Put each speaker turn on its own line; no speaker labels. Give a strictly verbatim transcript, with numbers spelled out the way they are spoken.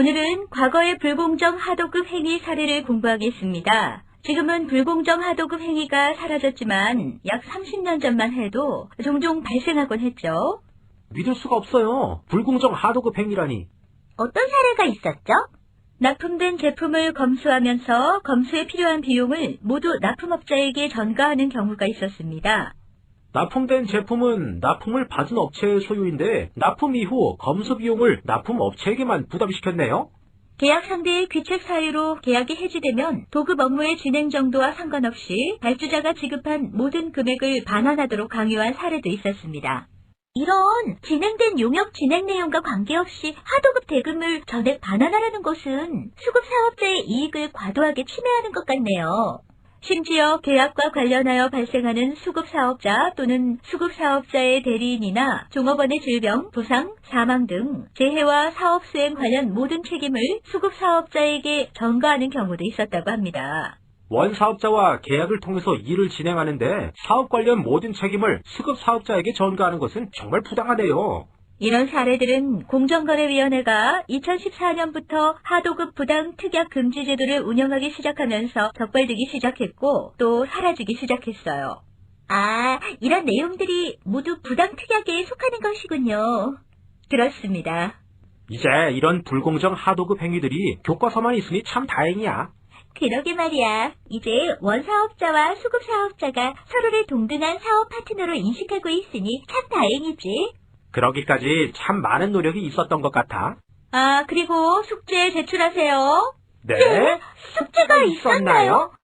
오늘은 과거의 불공정 하도급 행위 사례를 공부하겠습니다. 지금은 불공정 하도급 행위가 사라졌지만 약 삼십 년 전만 해도 종종 발생하곤 했죠.
믿을 수가 없어요. 불공정 하도급 행위라니.
어떤 사례가 있었죠? 납품된 제품을 검수하면서 검수에 필요한 비용을 모두 납품업자에게 전가하는 경우가 있었습니다.
납품된 제품은 납품을 받은 업체의 소유인데 납품 이후 검수 비용을 납품업체에게만 부담시켰네요.
계약 상대의 귀책 사유로 계약이 해지되면 도급 업무의 진행 정도와 상관없이 발주자가 지급한 모든 금액을 반환하도록 강요한 사례도 있었습니다. 이런 진행된 용역 진행 내용과 관계없이 하도급 대금을 전액 반환하라는 것은 수급 사업자의 이익을 과도하게 침해하는 것 같네요. 심지어 계약과 관련하여 발생하는 수급 사업자 또는 수급 사업자의 대리인이나 종업원의 질병, 부상, 사망 등 재해와 사업 수행 관련 모든 책임을 수급 사업자에게 전가하는 경우도 있었다고 합니다.
원사업자와 계약을 통해서 일을 진행하는데 사업 관련 모든 책임을 수급 사업자에게 전가하는 것은 정말 부당하네요.
이런 사례들은 공정거래위원회가 이천십사 년부터 하도급 부당 특약 금지 제도를 운영하기 시작하면서 적발되기 시작했고 또 사라지기 시작했어요. 아, 이런 내용들이 모두 부당 특약에 속하는 것이군요. 그렇습니다.
이제 이런 불공정 하도급 행위들이 교과서만 있으니 참 다행이야.
그러게 말이야. 이제 원사업자와 수급사업자가 서로를 동등한 사업 파트너로 인식하고 있으니 참 다행이지.
그러기까지 참 많은 노력이 있었던 것 같아.
아, 그리고 숙제 제출하세요.
네?
숙제가 있었나요?